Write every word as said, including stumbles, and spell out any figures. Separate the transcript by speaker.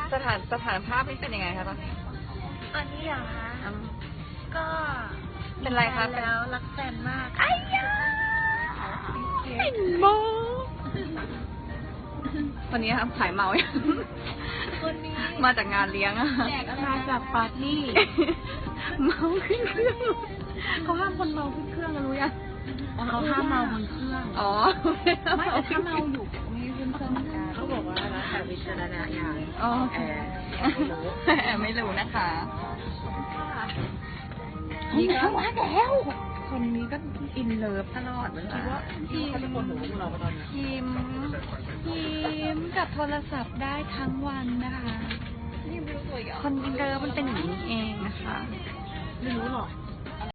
Speaker 1: สถานสถานภาพนี่เป็นยังไงคะตอนนี้
Speaker 2: อันนี้เหรอคะก็
Speaker 1: เป็นไรคะ
Speaker 2: แล้วรักแฟนมาก
Speaker 1: ไอ้ยาไอ้โมวันนี้ครับขายเมาอย่าง
Speaker 2: คนนี้
Speaker 1: มาจากงานเลี้ยงอะ
Speaker 2: มาจากปาร์ตี้
Speaker 1: เมาขึ้นเครื่องเขาห้ามคนเมาขึ้นเครื่องนะรู้ยัง
Speaker 2: เขาห้ามเมาบนเครื่อง
Speaker 1: อ๋อ
Speaker 2: ไม่แต่ถ้าเมาอยู่ไม่ขึ้นเครื่องเหมือนกันเขาบอกว่าแล้วแต่วิจารณญาณ
Speaker 1: อ๋อ
Speaker 2: แอร์
Speaker 1: แอบไม่รู้นะคะ
Speaker 2: นี่ก็ว่าแล้วคนนี้ก็อินเลิฟตลอดเหมือนกันว่า
Speaker 1: ทีม
Speaker 2: เขาจะคนหนูพวกเราตอนนี้
Speaker 1: ทีมทีมกับโทรศัพท์ได้ทั้งวันนะคะ
Speaker 2: นี่ไม่รู้ตัวอีก
Speaker 1: คนอินเตอร์มันเป็นอย่างนี้เองนะคะ
Speaker 2: ไม่รู้หรอก